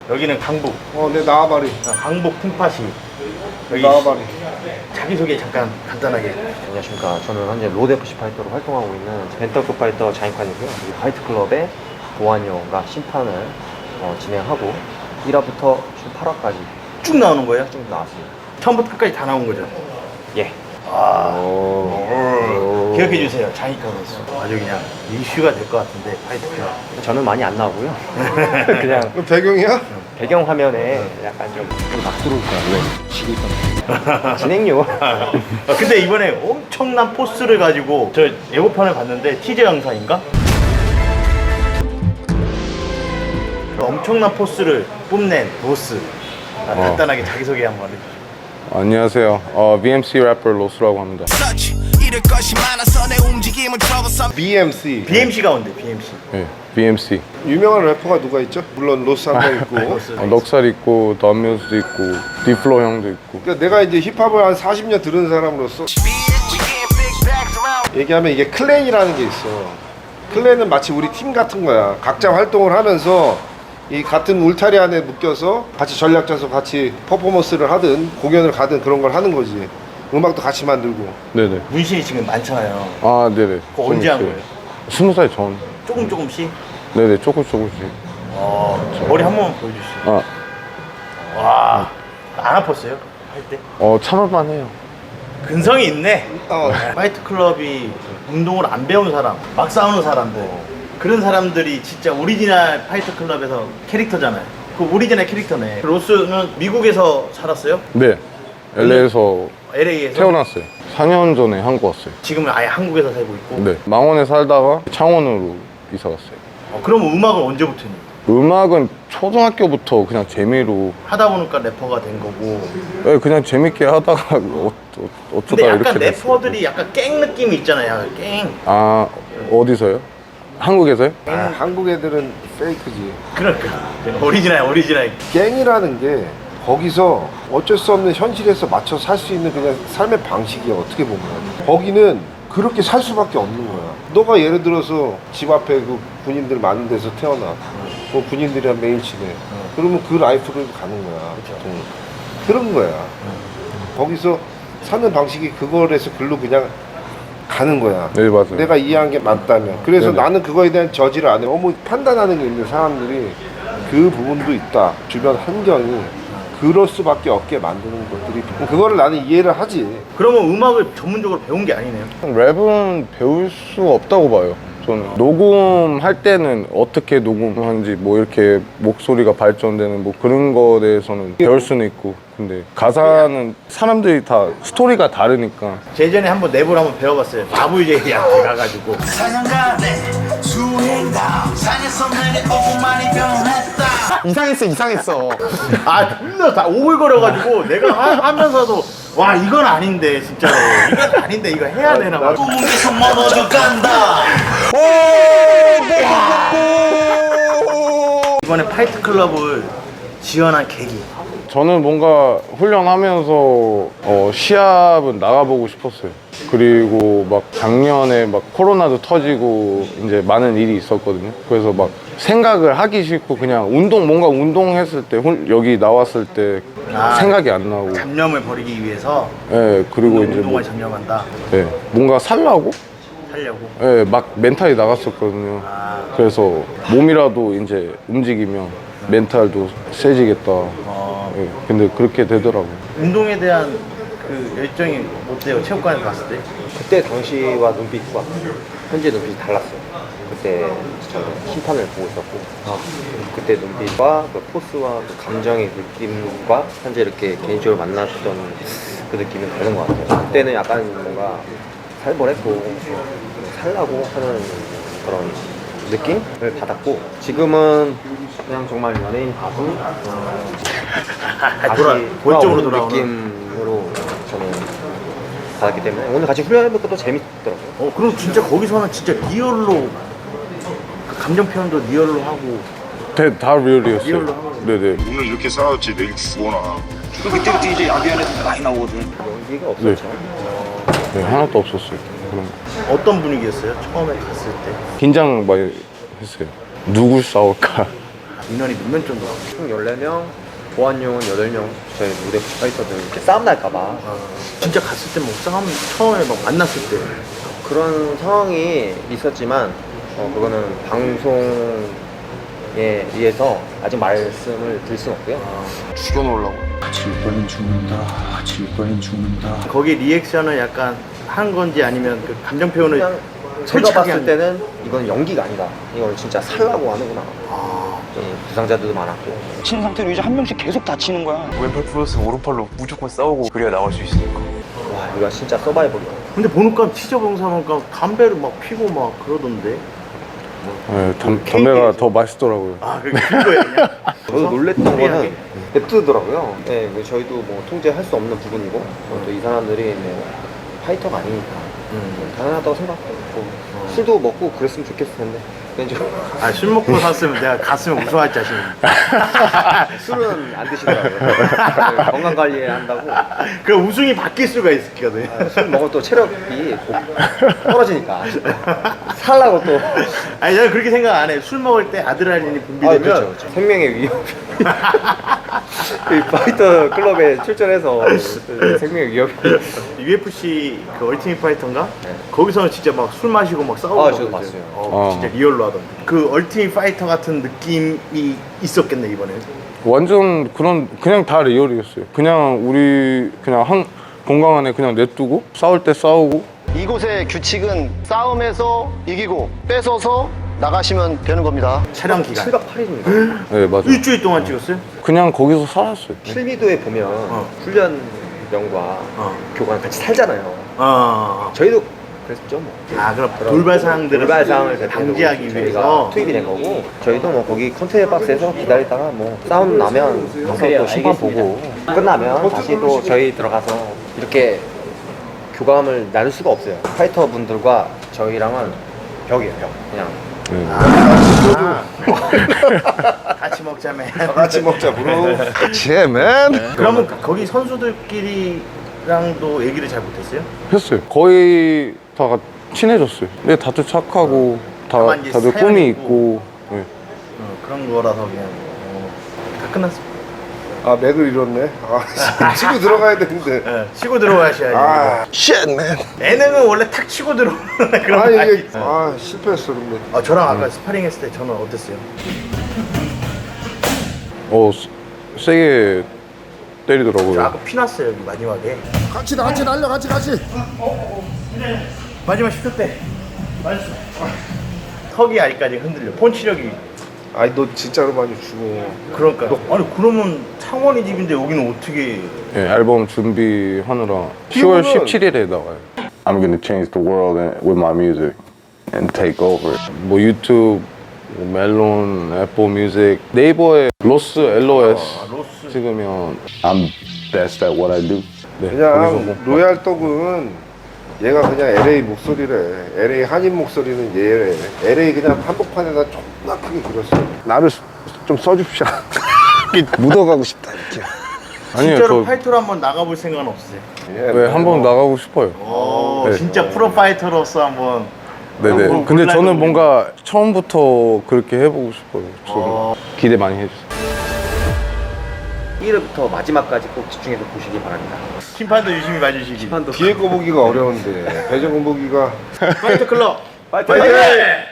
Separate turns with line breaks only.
여기는 강북.
네, 나와바리.
강북 콩팥이. 여기
나와바리.
자기소개 잠깐 간단하게.
안녕하십니까. 저는 현재 로드 FC 파이터로 활동하고 있는 벤터급 파이터 자인칸이고요. 이 파이트클럽의 보안요원과 심판을 진행하고 1화부터 8화까지
쭉 나오는 거예요?
쭉 나왔습니다.
처음부터 끝까지 다 나온 거죠?
예.
기억해 주세요. 자이카 선수. 아주 그냥 이슈가 될 것 같은데 파이트클럽.
저는 많이 안 나오고요. 그냥
그 배경이야?
배경 화면에 약간 막 들어올 거야. 왜? 지고 있던 진행료.
근데 이번에 엄청난 포스를 가지고 저 예고편을 봤는데 티저 영상인가? 엄청난 포스를 뽐낸 로스. 간단하게 자기소개 한번 해주시죠.
안녕하세요. BMC 래퍼 로스라고 합니다.
BMC.
BMC 가운데 BMC.
네, BMC.
유명한 래퍼가 누가 있죠? 물론 로스 한 명 있고.
로스.
넉살 있고, 덤뮤스도 있고, 디플로 형도 있고.
그러니까 내가 이제 힙합을 한 40년 들은 사람으로서 얘기하면 이게 클랜이라는 게 있어. 클랜은 마치 우리 팀 같은 거야. 각자 활동을 하면서 이 같은 울타리 안에 묶여서 같이 전략 짜서 같이 퍼포먼스를 하든 공연을 가든 그런 걸 하는 거지. 음악도 같이 만들고.
네네.
문신이 지금 많잖아요.
아, 네네.
그거 언제 한 거예요?
20살 전.
조금씩?
네네, 조금씩.
머리 한 번만 보여주시죠. 와, 안 아팠어요? 할 때?
참을만 해요.
근성이 있네. 파이트 클럽이 운동을 안 배운 사람, 막 싸우는 사람들, 그런 사람들이 진짜 오리지널 파이트 클럽에서 캐릭터잖아요. 그 오리지널 캐릭터네. 로스는 미국에서 살았어요?
네. LA에서
LA에서?
태어났어요. 4년 전에 한국 왔어요.
지금은 아예 한국에서 살고 있고.
네. 망원에 살다가 창원으로 이사 갔어요.
그럼 음악은 언제부터 했니?
음악은 초등학교부터 그냥 재미로,
하다 보니까 래퍼가 된 거고.
네, 그냥 재밌게 하다가 어쩌다
근데 약간
이렇게 됐어요.
래퍼들이 약간 깽 느낌이 있잖아요. 약간 깽.
아, 어디서요? 한국에서요?
한국 애들은 페이크지.
그러니까 오리지널.
갱이라는 게 거기서 어쩔 수 없는 현실에서 맞춰 살 수 있는 그냥 삶의 방식이야. 어떻게 보면 거기는 그렇게 살 수밖에 없는 거야. 너가 예를 들어서 집 앞에 그 군인들 많은 데서 태어나. 그 군인들이랑 매일 지내. 그러면 그 라이프를 가는 거야. 그런 거야. 거기서 사는 방식이 그거에서 글로 그냥 가는 거야.
네, 맞아요.
내가 이해한 게 맞다면. 그래서
네네.
나는 그거에 대한 저지를 안 해. 너무 판단하는 게 있는 사람들이 그 부분도 있다. 주변 환경이 그럴 수밖에 없게 만드는 것들이. 그거를 나는 이해를 하지.
그러면 음악을 전문적으로 배운 게 아니네요.
랩은 배울 수 없다고 봐요. 저는 녹음할 때는 어떻게 녹음하는지 뭐 이렇게 목소리가 발전되는 뭐 그런 거에 대해서는 배울 수는 있고, 근데 가사는 사람들이 다 스토리가 다르니까.
예전에 한번 랩을 한번 배워봤어요. 아부이제이한테 가가지고.
이상했어.
존나 다 오글거려가지고 내가 하면서도 와 이건 아닌데 진짜로 이건 아닌데 이거 해야 되나 봐. 이번에 파이트 클럽을 지원한 계기.
저는 뭔가 훈련하면서 시합은 나가보고 싶었어요. 그리고 막 작년에 막 코로나도 터지고 이제 많은 일이 있었거든요. 그래서 막 생각을 하기 싫고 그냥 뭔가 운동했을 때 여기 나왔을 때 생각이 안 나고.
잡념을 버리기 위해서
예, 그리고 이제
운동을 잡념한다.
예, 뭔가 살려고 예, 막 멘탈이 나갔었거든요. 그래서 몸이라도 이제 움직이면 멘탈도 세지겠다. 예, 근데 그렇게 되더라고요.
운동에 대한 그 열정이 어때요? 체육관에 갔을 때?
그때 당시와 눈빛과 현재 눈빛이 달랐어요. 그때 저는 심판을 보고 있었고, 그때 눈빛과 그 포스와 그 감정의 느낌과 현재 이렇게 개인적으로 만났던 그 느낌은 다른 것 같아요. 그때는 약간 뭔가 살벌했고 살라고 하는 그런 느낌을 받았고, 지금은 그냥 정말 연예인 가수 다시
본적으로
돌아오는
돌아오는
느낌으로 저는 받았기 때문에 오늘 같이 훈련해볼 것도 재밌더라고요.
그럼 진짜 거기서는 진짜 리얼로 그 감정 표현도 리얼로 하고
다 리얼이었어요.
리얼로 하고.
네네.
오늘 이렇게 싸웠지 내일 죽어나.
그때부터 이제 야비한 애들 많이 나오거든.
연기가 없었죠.
네, 하나도 없었어요. 그런 거.
어떤 분위기였어요? 처음에 갔을 때?
긴장 많이 했어요. 누구 싸울까?
인원이 몇 명 정도?
총 14명, 보안용은 8명. 저희 무대 파이터들 이렇게 싸움 날까봐
진짜 갔을 때 뭐 싸움 처음에 막 만났을 때
그런 상황이 있었지만 그거는 방송에 의해서 아직 말씀을 드릴 수는 없고요.
죽여놓으려고.
질 거는 죽는다. 질 거는 죽는다.
거기 리액션을 약간 한 건지 아니면 그 감정 표현을
그냥 제가
솔직하게
봤을
한-
때는 이건 연기가 아니다. 이건 진짜 살라고 하는구나. 부상자들도 많았고.
친 상태로 이제 한 명씩 계속 다치는 거야.
왼팔 플러스 오른팔로 무조건 싸우고 그래야 나올 수 있으니까.
와, 이거 진짜 서바이벌이다.
근데 보니까 치저봉사 보니까 담배를 막 피고 막 그러던데.
네, 담배가 더 맛있더라고요.
아 그거야 그냥.
저도 놀랬던
무리하게?
거는 냅두더라고요. 네, 저희도 뭐 통제할 수 없는 부분이고 또 이 사람들이 뭐 파이터가 아니니까 당연하다고 생각하고 술도 먹고 그랬으면 좋겠을 텐데 개인적으로
아술 먹고 샀으면 내가 갔으면 무서워할 자신.
술은 안 드시더라고요. 네, 건강 관리 한다고.
그 우승이 바뀔 수가 있거든.
술 먹으면 또 체력이 떨어지니까 살라고 또.
아니 저는 그렇게 생각 안 해. 술 먹을 때 아드레날린이 분비되면
그렇죠. 생명의 위협. 이 파이터 클럽에 출전해서 생명의 위협이.
UFC 그 얼티밋 파이터인가?
네.
거기서는 진짜 막 술 마시고 막 싸우고.
아, 저도
그러거든.
봤어요.
진짜 리얼로 하던데. 그 얼티밋 파이터 같은 느낌이 있었겠네 이번에.
완전 그냥 다 리얼이었어요. 그냥 우리 그냥 한 공간 안에 그냥 냅두고 싸울 때 싸우고.
이곳의 규칙은 싸움에서 이기고 뺏어서 나가시면 되는 겁니다.
촬영 기간.
7박 8일입니다.
네, 맞아요.
일주일 동안 찍었어요?
그냥 거기서 살았어요.
필미도에 보면 훈련병과 교관 같이 살잖아요. 저희도 그랬죠 뭐.
아 그럼 돌발 사항들을
돌발 상황을
방지하기
저희가
위해서
투입이 된 거고 저희도 뭐 거기 컨테이너 박스에서 기다리다가 뭐 싸움 나면 가서 또 심판 보고 끝나면 다시 또 저희 들어가서 이렇게 교감을 나눌 수가 없어요. 파이터 분들과 저희랑은 벽이에요, 벽. 그냥
같이 먹자매.
같이 먹자, 브로. 제맨.
그러면 거기 선수들끼리랑도 얘기를 잘 못했어요?
했어요. 거의 다 친해졌어요. 근데 다들 착하고
다만 이제
다들
사연이
꿈이
있고.
있고. 네.
그런 거라서 그냥 다 끝났어.
아, 맥을 잃었네. 아, 치고 들어가야 되는데.
네, 치고 들어가셔야지.
아, 쉣맨.
예능은 원래 탁 치고 들어오는 그런
아,
거
이게,
아니에요?
실패했어, 근데.
저랑 아까 스파링 했을 때 저는 어땠어요?
세게 때리더라고요.
저 아까 피났어요 여기 마지막에.
같이 날려, 같이.
마지막 10초 때 맞았어. 턱이 아직까지 흔들려. 펀치력이.
아니, 너 진짜로 많이 죽어.
그러니까. 아니 그러면 창원이 집인데 여기는 어떻게?
네, 앨범 준비하느라 10월 17일에 나와요. I'm gonna change the world with my music and take over. 뭐 유튜브, 뭐 멜론, 애플 뮤직, 네이버에 로스 LOS
로스.
찍으면 I'm best at what I do. 네, 거기서
그냥
뭐
로얄 떡은 얘가 그냥 LA 목소리래. LA 한인 목소리는 얘래. LA 그냥 한복판에다 존나 크게 그렸어. 나를 좀 써줍시다. 묻어가고 싶다 이렇게.
아니에요.
진짜로
저
파이터로 한번 나가볼 생각은 없으세요?
네, 한번 나가고 싶어요. 네.
진짜 프로 파이터로서 한번.
네네.
뭐
근데 저는
온라인으로
뭔가 처음부터 그렇게 해보고 싶어요. 좀 기대 많이 해주세요.
1회부터 마지막까지 꼭 집중해서 보시기 바랍니다.
심판도 유심히 봐주시기.
뒤에 거 보기가 어려운데 배정 거 보기가
파이터 클럽.
파이터!
파이팅!